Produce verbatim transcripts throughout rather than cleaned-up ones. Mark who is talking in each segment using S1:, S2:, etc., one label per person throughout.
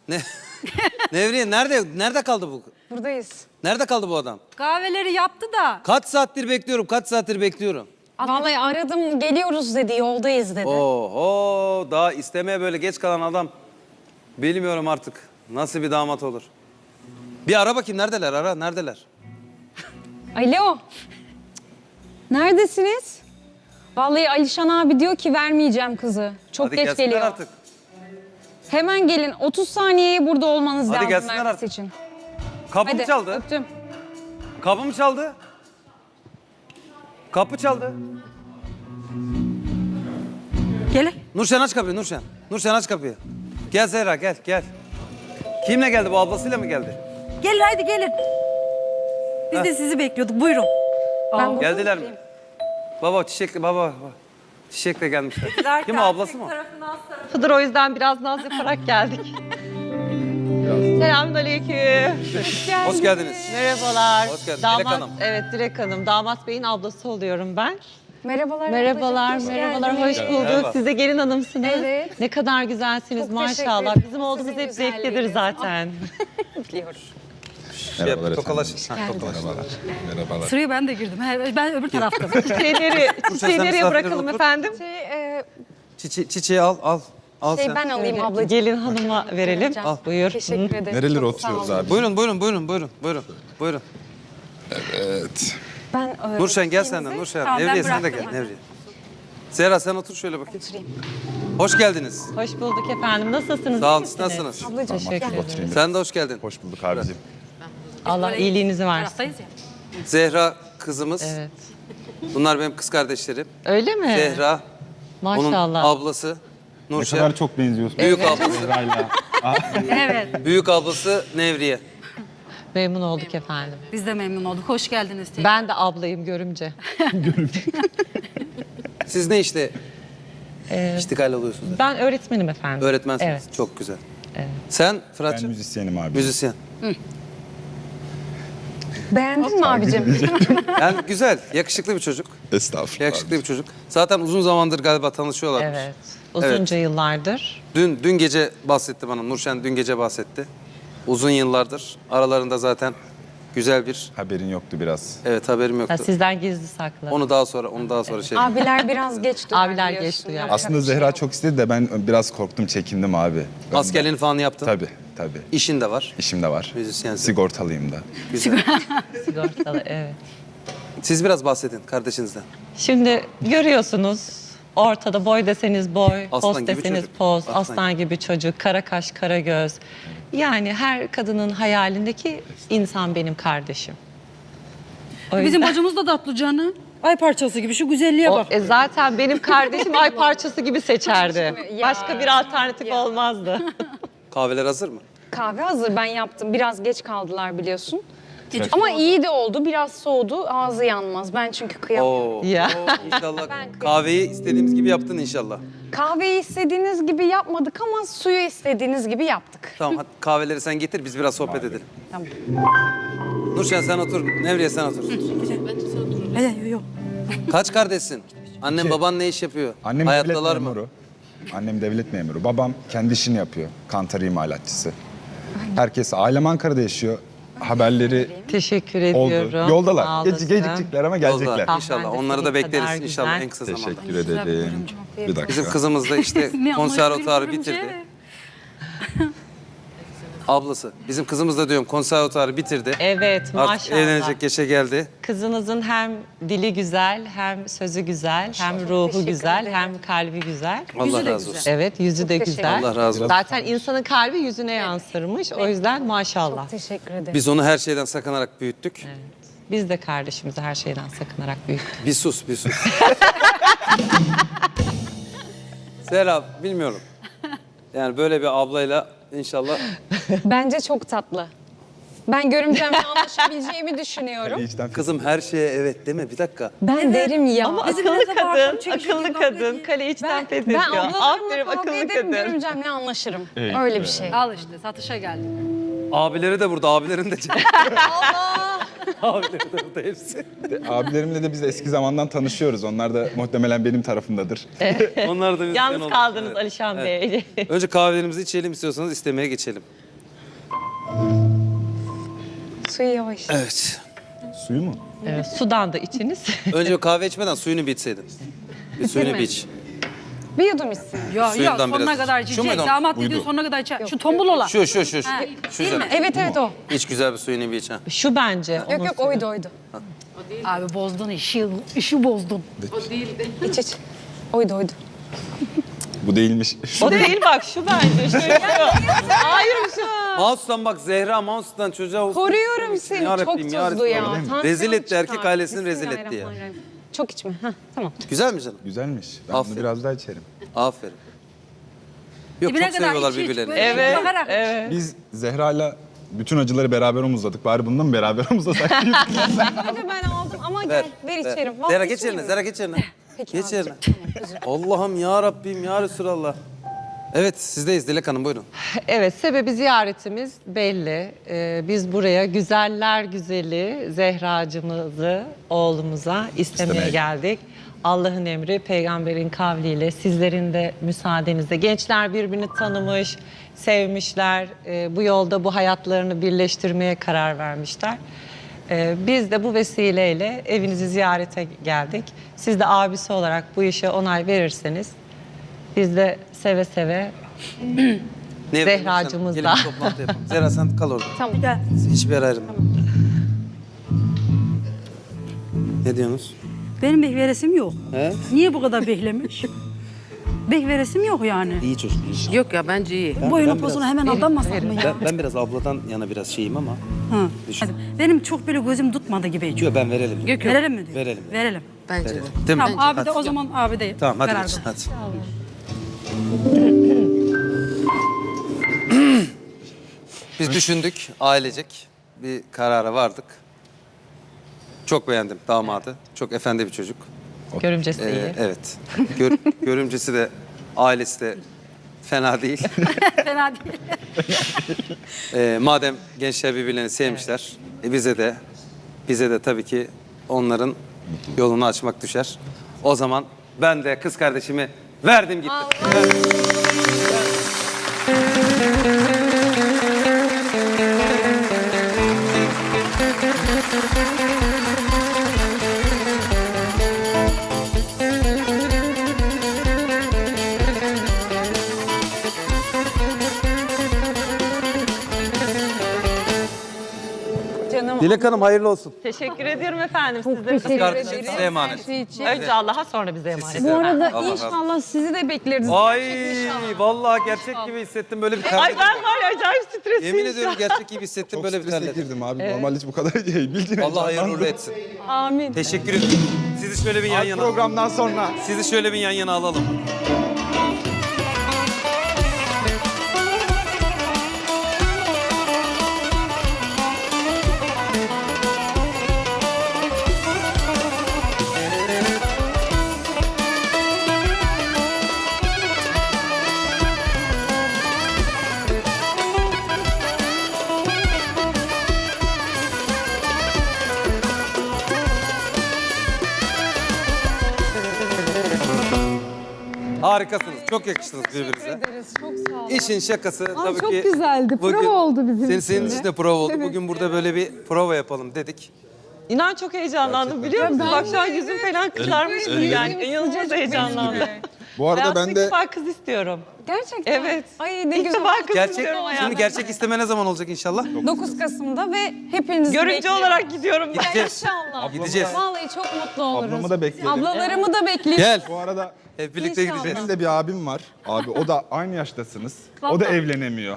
S1: Ne? Nevriye nerede? Nerede kaldı bu?
S2: Buradayız.
S1: Nerede kaldı bu adam?
S3: Kahveleri yaptı da.
S1: Kaç saattir bekliyorum, kaç saattir bekliyorum.
S2: Vallahi aradım, geliyoruz dedi, yoldayız dedi.
S1: Oho, daha istemeye böyle geç kalan adam. Bilmiyorum artık nasıl bir damat olur. Bir ara bakayım, neredeler? Ara, neredeler?
S2: Alo. Neredesiniz? Vallahi Alişan abi diyor ki vermeyeceğim kızı. Çok
S1: Hadi
S2: geç
S1: gelsinler
S2: geliyor.
S1: artık.
S2: Hemen gelin. otuz saniyeye burada olmanız
S1: Hadi
S2: lazım
S1: gelsinler
S2: vermesi
S1: artık.
S2: için.
S1: Kapı mı
S2: Hadi
S1: çaldı?
S2: öptüm.
S1: Kapı mı çaldı? Kapı çaldı.
S3: Gel.
S1: Nurşen aç kapıyı, Nurşen. Nurşen aç kapıyı. Gel Zehra, gel, gel. Kimle geldi bu, ablasıyla mı geldi?
S3: Gelin haydi gelin. Biz
S1: Heh.
S3: de sizi bekliyorduk. Buyurun.
S2: Ben burada
S1: Geldiler mi?
S2: oturayım.
S1: Baba, çiçekle, baba, baba. Çiçekle gelmişler. Kim o, ablası mı?
S4: Fıdır, o yüzden biraz naz yaparak geldik. Selamünaleyküm.
S1: Hoş geldiniz.
S4: Merhabalar.
S1: Hoş geldin.
S4: Damat,
S1: Dilek Hanım.
S4: Evet, Dilek Hanım. Damat Bey'in ablası oluyorum ben.
S2: Merhabalar.
S4: Merhabalar,
S2: ablacığım, hoş
S4: merhabalar.
S2: geldiniz.
S4: Hoş bulduk.
S1: Merhaba.
S4: Siz de gelin hanımsınız.
S2: Evet.
S4: Ne kadar güzelsiniz
S2: Çok teşekkür
S4: maşallah.
S2: ederim.
S4: Bizim olduğumuz
S2: Sizin
S4: hep zevklidir
S2: güzelliğiniz.
S4: zaten.
S2: Biliyorum.
S1: Şey yap, tokalaş. Ha, tokalaş.
S5: Merhabalar.
S3: Sıraya ben de girdim. He, Ben öbür tarafta.
S4: Çiçeği nereye,
S1: sen
S4: çiçeği nereye
S1: misafirlere
S4: bırakalım
S1: otur.
S4: efendim?
S2: Şey, e,
S1: Çiçe çiçeği al, al. Al
S2: şey
S1: sen.
S2: ben alayım
S4: Öyle,
S2: ablacığım.
S4: Gelin hanıma verelim.
S2: Al.
S4: Buyur.
S2: Teşekkür ederim.
S5: Nerelere
S2: Çok sağ
S5: oturuyoruz
S2: olun.
S5: abi?
S1: Buyurun, buyurun, buyurun, buyurun, buyurun, buyurun.
S5: Evet.
S2: Ben e,
S1: Nurşen gel sen de, Nurşen.
S3: Tamam, ben
S1: Nevriye sen de
S3: bıraktım
S1: gel,
S3: hadi.
S1: Nevriye. Zehra sen otur şöyle bakayım.
S2: Oturayım.
S1: Hoş geldiniz.
S4: Hoş bulduk efendim. Nasılsınız?
S1: Sağ olun,
S4: İyi
S1: siz
S4: misiniz?
S1: nasılsınız?
S2: Ablacığım
S5: Tamam,
S2: gel.
S5: oturayım biraz.
S1: Sen de hoş geldin.
S5: Hoş bulduk abicim.
S4: Allah iyiliğinizi versin.
S3: Taraftayız ya.
S1: Zehra kızımız.
S4: Evet.
S1: Bunlar benim kız kardeşlerim.
S4: Öyle mi?
S1: Zehra, onun
S4: Maşallah.
S1: ablası.
S6: Ne
S1: Nurşen,
S6: kadar çok benziyorsun.
S1: büyük ablası.
S6: Zehra'yla.
S3: Evet.
S1: Büyük ablası Nevriye.
S4: Memnun olduk efendim.
S3: Biz de memnun olduk. Hoş geldiniz.
S4: Ben de ablayım görümce.
S1: Siz ne işte
S4: Ee,
S1: iştikal oluyorsunuz?
S4: ben öğretmenim efendim.
S1: Öğretmensiniz.
S4: Evet.
S1: Çok güzel.
S4: Evet.
S1: Sen
S6: Ben
S1: Fırat'cığım?
S6: müzisyenim abi.
S1: Müzisyen.
S2: Beğendin mi abicim?
S1: Yani güzel, yakışıklı bir çocuk.
S5: Estağfurullah.
S1: Yakışıklı bir çocuk. Zaten uzun zamandır galiba tanışıyorlarmış.
S4: Evet. Uzunca yıllardır.
S1: Dün dün gece bahsetti bana. Nurşen dün gece bahsetti. Uzun yıllardır aralarında zaten güzel bir
S6: Haberin yoktu biraz.
S1: evet haberim yoktu.
S4: Ha, sizden gizli saklı.
S1: Onu daha sonra onu daha sonra şey.
S2: Abiler biraz geç duyar
S4: Abiler
S2: biliyorsun.
S4: geç duyar.
S2: Yapacak
S6: Aslında
S2: bir şey
S6: Zehra
S2: yok.
S6: çok istedi de ben biraz korktum, çekindim abi. Ben
S1: Askerliğini falan yaptın.
S6: Tabii, tabii.
S1: İşin de var.
S6: İşim de var.
S1: Müzisyensin.
S6: Sigortalıyım da.
S1: Güzel.
S4: Sigortalı, evet.
S1: Siz biraz bahsedin kardeşinizden.
S4: Şimdi görüyorsunuz ortada boy deseniz boy,
S1: Aslan
S4: poz
S1: gibi
S4: deseniz
S1: çocuk.
S4: poz,
S1: Aslan
S4: aslan, gibi çocuk, kara kaş, kara göz. Yani her kadının hayalindeki insan benim kardeşim. O
S3: Bizim
S4: yüzden-
S3: bacımız da tatlı canım. Ay parçası gibi şu güzelliğe
S4: O,
S3: bak.
S4: e, zaten benim kardeşim ay parçası gibi seçerdi.
S2: Ya.
S4: Başka bir alternatif olmazdı.
S1: Kahveler hazır mı?
S2: Kahve hazır, ben yaptım. Biraz geç kaldılar biliyorsun. Ama iyi de oldu. Biraz soğudu. Ağzı yanmaz. Ben çünkü kıyamıyorum.
S1: Oo.
S4: Ya.
S1: oo, İnşallah
S2: Ben-
S1: kahveyi istediğimiz gibi yaptın inşallah.
S2: Kahveyi istediğiniz gibi yapmadık ama suyu istediğiniz gibi yaptık.
S1: Tamam hadi kahveleri sen getir biz biraz sohbet edelim.
S2: Tamam.
S1: Nurşen sen otur. Nevriye sen otur.
S3: Hadi yok.
S1: Kaç kardeşsin? Annen baban ne iş yapıyor?
S6: Annem
S1: Hayattalar
S6: devlet
S1: mı?
S6: memuru. Annem devlet memuru. Babam kendi işini yapıyor. Kantar imalatçısı. Herkes, ailem Ankara'da yaşıyor. Haberleri
S4: Teşekkür
S6: oldu.
S4: ediyorum. Sağ
S6: Yoldalar.
S4: olasın.
S6: Geç, gecikecekler ama gelecekler.
S1: Yolda. İnşallah.
S4: Kahven de
S1: Onları da
S4: senin
S1: bekleriz
S4: kadar
S1: inşallah
S4: güzel.
S1: en kısa zamanda.
S6: Teşekkür ederim. Bir dakika.
S1: Bizim kızımız da işte
S3: Ne
S1: konservatuarı
S3: anlaşılıyor
S1: bitirdi.
S3: şey?
S1: Ablası. Bizim kızımız da diyorum konservatuarı bitirdi.
S4: Evet,
S1: Artık
S4: maşallah.
S1: evlenecek yaşa geldi.
S4: Kızınızın hem dili güzel, hem sözü güzel, hem ruhu
S2: Teşekkür
S4: güzel,
S2: ederim.
S4: hem kalbi güzel.
S1: Allah
S3: de
S1: razı
S3: güzel.
S1: olsun.
S4: Evet, yüzü de
S2: teşekkür
S4: güzel.
S1: Allah razı olsun.
S4: Zaten insanın kalbi yüzüne yansırmış. O yüzden maşallah.
S2: Teşekkür ederim.
S1: Biz onu her şeyden sakınarak büyüttük.
S4: Biz de kardeşimizi her şeyden sakınarak büyüttük.
S1: Bir sus, bir sus. Serap, bilmiyorum. Yani böyle bir ablayla inşallah
S2: Bence çok tatlı. Ben görümcemle anlaşabileceğimi düşünüyorum.
S6: İçten
S1: kızım her şeye evet deme bir dakika.
S2: Ben derim ya.
S4: Ama
S3: Bizim
S4: akıllı
S3: evde var,
S4: kadın,
S3: çekiştirdiği
S4: akıllı
S3: kavga
S4: kadın,
S3: değil.
S4: kale içten
S2: ben,
S4: fethediyor.
S2: ben ablalarımla
S4: Aferin
S2: kavga
S4: akıllı
S2: ederim,
S4: kadın.
S2: görümcemle anlaşırım.
S6: Evet,
S2: Öyle bir
S6: evet.
S2: şey.
S3: Al işte satışa geldi.
S1: Abileri de burada, abilerin de. Abilerim de burada hepsi.
S6: Abilerimle de biz eski zamandan tanışıyoruz. Onlar da muhtemelen benim tarafımdadır.
S1: Onlar da bizden
S4: Yalnız
S1: oldu.
S4: kaldınız
S1: Evet.
S4: Alişan Bey.
S1: Önce kahvelerimizi içelim, istiyorsanız istemeye geçelim.
S2: Suyu yavaş.
S1: Evet.
S6: Suyu mu?
S4: Evet, sudan da içiniz.
S1: Önce kahve içmeden suyunu bir içseydin. Bir suyunu bir iç.
S2: Bir yudum içsin.
S3: Yok yok
S1: Suyundan
S3: sonuna
S1: biraz.
S3: kadar
S1: Şu
S3: içecek.
S1: muydu?
S3: Damat
S6: Buydu.
S3: dediğin sonuna kadar içecek. Şu tombul olan.
S1: Şu, şu, şu. şu.
S3: Ha,
S1: Şu
S3: değil mi?
S2: Evet evet o.
S1: İç güzel bir suyunu bir iç ha.
S4: Şu bence.
S2: Yok
S4: onun
S2: yok
S4: suyu.
S2: oydu oydu.
S3: Abi bozdun işi, işi bozdun.
S2: İç iç. Oydu oydu.
S6: Bu değilmiş.
S4: O değil bak şu bence. Şu, şu. Hayır şu.
S1: Mouse'dan bak Zehra, Mouse'dan çocuğa...
S2: Koruyorum seni.
S1: Ya
S2: Çok
S1: Rabbim, ya
S2: tuzlu ya.
S1: Resulallah.
S2: Tansiyon
S1: Rezil etti,
S2: çıkar.
S1: erkek ailesini rezil etti ya.
S2: Bismillahirrahmanirrahim. Çok içme. Heh, tamam.
S1: Güzel mi canım?
S6: Güzelmiş. Ben
S1: Aferin.
S6: bunu biraz daha içerim.
S1: Aferin. Yok,
S3: Dibine
S1: çok
S3: kadar
S1: seviyorlar
S3: iç, iç,
S1: birbirlerini.
S3: böyle
S4: Evet,
S3: bakarak.
S4: evet.
S6: Biz Zehra'yla bütün acıları beraber omuzladık. Bari bundan mı beraber omuzlasak?
S2: Hadi ben aldım ama
S1: Ver,
S2: gel ver
S1: ver.
S2: içerim.
S1: Zehra geç yerine, Zehra geç yerine.
S2: Peki
S1: Geç
S2: abi.
S1: yerine. Allah'ım ya Rabbim ya Resulallah. Evet, sizdeyiz Dilek Hanım, buyurun.
S4: Evet, sebebi ziyaretimiz belli. Ee, biz buraya güzeller güzeli Zehracımızı oğlumuza istemeye
S6: İstemeye.
S4: geldik. Allah'ın emri, peygamberin kavliyle, sizlerin de müsaadenizle. Gençler birbirini tanımış, sevmişler. Ee, bu yolda bu hayatlarını birleştirmeye karar vermişler. Ee, biz de bu vesileyle evinizi ziyarete geldik. Siz de abisi olarak bu işe onay verirseniz, biz de seve seve
S1: Ne
S4: Zehracığımız
S1: Gelin
S4: da.
S1: bir toplantı yapalım. Zehra sen kal orada.
S2: Tamam.
S3: Gel.
S1: Hiçbir yere ayrılma. Ne diyorsunuz?
S3: Benim bek veresim yok.
S1: He?
S3: Niye bu kadar beklemiş? Bek veresim yok yani.
S1: İyi çocuk, iyi.
S7: Yok ya bence iyi.
S3: Boyunu
S1: ben
S3: pozunu
S1: biraz-
S3: hemen aldanmasak mı ya?
S1: Ben, ben biraz abladan yana biraz şeyim ama.
S3: Ha.
S1: Düşün.
S3: Hadi. Benim çok böyle gözüm tutmadı gibi.
S1: Yok ben verelim.
S7: Yok yok.
S3: Verelim mi diyor?
S1: Verelim.
S3: Verelim.
S7: Bence de.
S1: Verelim. Değil mi?
S3: Tamam abi de
S1: Hadi.
S3: o zaman abi de
S1: Tamam hadi
S3: karar
S1: geç,
S3: ver.
S1: hadi. Biz düşündük ailecek bir karara vardık. Çok beğendim damadı. Çok efendi bir çocuk.
S4: Görümcesi
S1: Ee,
S4: iyi.
S1: evet. Gör, görümcesi de ailesi de fena değil.
S3: Fena değil.
S1: Ee, madem gençler birbirlerini sevmişler, e, bize de bize de tabii ki onların yolunu açmak düşer. O zaman ben de kız kardeşimi verdim gittim.
S2: Canım.
S1: Dilek Hanım hayırlı olsun.
S4: Teşekkür ediyorum efendim. Sizlere
S2: teşekkür
S1: Kardeşim
S2: ederim.
S1: size emanet.
S2: Her şey için.
S4: Önce Allah'a sonra bize emanet.
S1: Size
S2: Bu arada
S1: Allah razı olsun.
S2: inşallah sizi de bekleriz.
S1: Ay
S2: İnşallah.
S1: vallahi gerçek gibi hissettim böyle bir
S4: Ay
S1: terledim.
S4: ben var ya acayip stresliyim.
S1: Yemin ediyorum gerçek gibi hissettim
S6: Çok
S1: böyle bir
S6: strese
S1: terledim.
S6: girdim abi. Normalde hiç bu kadar değil. Bildiğin
S1: Allah hayırlı
S6: heyecanlandım.
S1: uğurlu etsin.
S2: Amin.
S1: Teşekkür ederim. Sizi şöyle bir yan
S6: Abi
S1: yana
S6: programdan sonra.
S1: Sizi şöyle bir yan yana alalım. Harikasınız. Çok yakıştınız birbirinize.
S2: ederiz. Çok sağ olun.
S1: İşin şakası tabii
S2: çok
S1: ki.
S2: güzeldi. Prova oldu bizim
S1: senin,
S2: için
S1: senin
S2: de.
S1: için de prova oldu. Bugün burada böyle bir prova yapalım dedik.
S4: İnan çok heyecanlandım biliyor musun? Bak şu an yüzüm falan kızarmıştı yani. İnanılmaz heyecanlandım.
S6: Bu arada
S4: Hayatımda
S6: ben
S4: ilk
S6: de
S4: defa kız istiyorum.
S2: Gerçekten.
S4: Evet.
S2: Ay ne
S4: İlk
S2: güzel.
S4: defa kız
S1: Gerçek,
S4: istiyorum
S1: şimdi
S4: hayatımda.
S1: gerçek isteme ne zaman olacak inşallah?
S2: dokuz Kasım'da ve hepinizi
S4: Görümce
S2: bekliyorum.
S4: olarak gidiyorum ben.
S1: Gideceğiz.
S2: İnşallah.
S1: Gideceğiz.
S2: Vallahi çok mutlu oluruz.
S6: ablamı da bekleyelim.
S2: Ablalarımı da bekleyin.
S1: Gel.
S6: Bu arada
S1: Hep birlikte
S2: İnşallah.
S1: gideceğiz.
S6: benim de bir abim var. Abi o da aynı yaştasınız. O da evlenemiyor.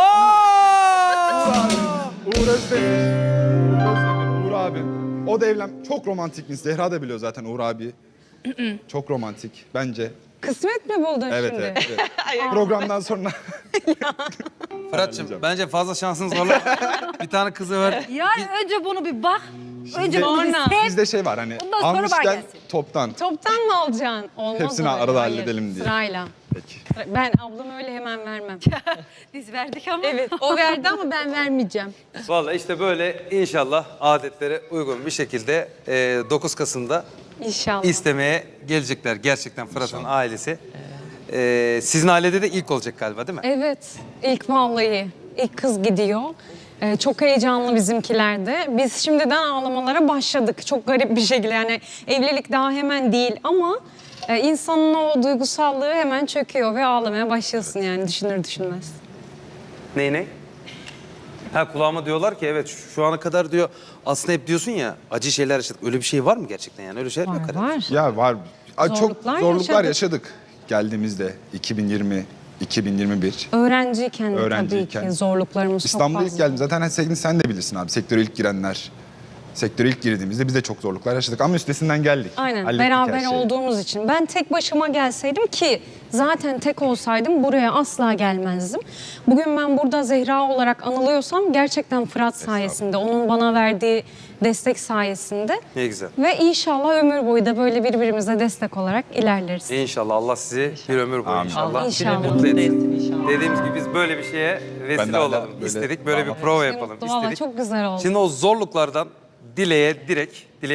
S6: Uğur Özdemir. Uğur Özdemir, Uğur abi. O da evlen... Çok romantikmiş. Zehra da biliyor zaten Uğur abi. Çok romantik bence.
S2: Kısmet mi buldun
S6: Evet
S2: şimdi?
S6: evet. evet. Programdan sonra
S1: Fırat'cığım bence fazla şansın zorla. Bir tane kızı ver.
S3: Yani önce bunu bir bak. Önce bunu bir
S2: Sonra.
S3: sev.
S6: bizde şey var hani
S3: Ondan sonra bana
S6: almışken
S3: gelsin.
S6: toptan.
S2: Toptan mı alacaksın? Olmaz
S6: Hepsini
S2: öyle.
S6: arada
S2: Hayır,
S6: halledelim diye.
S2: Sırayla.
S6: Peki.
S2: Ben ablam öyle hemen vermem.
S3: Biz verdik ama.
S2: Evet, o verdi ama ben vermeyeceğim.
S1: Vallahi işte böyle inşallah adetlere uygun bir şekilde e, dokuz Kasım'da
S2: İnşallah.
S1: istemeye gelecekler gerçekten Fırat'ın ailesi. E, sizin ailede de ilk olacak galiba değil mi?
S2: Evet, ilk vallahi. İlk kız gidiyor. Ee, çok heyecanlı bizimkiler de. Biz şimdiden ağlamalara başladık. Çok garip bir şekilde. Yani evlilik daha hemen değil ama e, insanın o duygusallığı hemen çöküyor ve ağlamaya başlıyorsun yani düşünür düşünmez.
S1: Ney ney? Ha kulağıma diyorlar ki evet şu, şu ana kadar diyor aslında hep diyorsun ya acı şeyler yaşadık. Öyle bir şey var mı gerçekten yani? Öyle şeyler mi yok
S2: Var
S1: herhalde?
S2: var.
S6: Ya var. Aa, çok
S2: Zorluklar
S6: zorluklar
S2: yaşadık.
S6: yaşadık geldiğimizde iki bin yirmi, iki bin yirmi bir.
S2: Öğrenciyken, de
S6: Öğrenciyken.
S2: tabii ki zorluklarımız
S6: İstanbul'a
S2: çok
S6: ilk
S2: fazla.
S6: geldim. Zaten sen, sen de bilirsin abi. Sektöre ilk girenler. Sektöre ilk girdiğimizde biz de çok zorluklar yaşadık. Ama üstesinden geldik.
S2: Aynen
S6: Hallettik her
S2: beraber
S6: şeyi.
S2: olduğumuz için. Ben tek başıma gelseydim ki zaten tek olsaydım buraya asla gelmezdim. Bugün ben burada Zehra olarak anılıyorsam gerçekten Fırat sayesinde, onun bana verdiği destek sayesinde.
S1: Ne güzel.
S2: Ve inşallah ömür boyu da böyle birbirimize destek olarak ilerleriz.
S1: İnşallah Allah sizi bir ömür boyu
S6: Amin.
S1: inşallah,
S2: İnşallah.
S1: mutlu etsin.
S4: etsin inşallah.
S1: Dediğimiz gibi biz böyle bir şeye
S6: Ben de
S1: vesile
S6: hala
S1: olalım
S6: böyle
S1: istedik. Böyle bir
S6: damat-
S1: prova
S2: Ne
S1: yapalım
S2: mutlu, vallahi
S1: istedik.
S2: çok güzel oldu.
S1: Şimdi o zorluklardan dileğe direkt, dileğe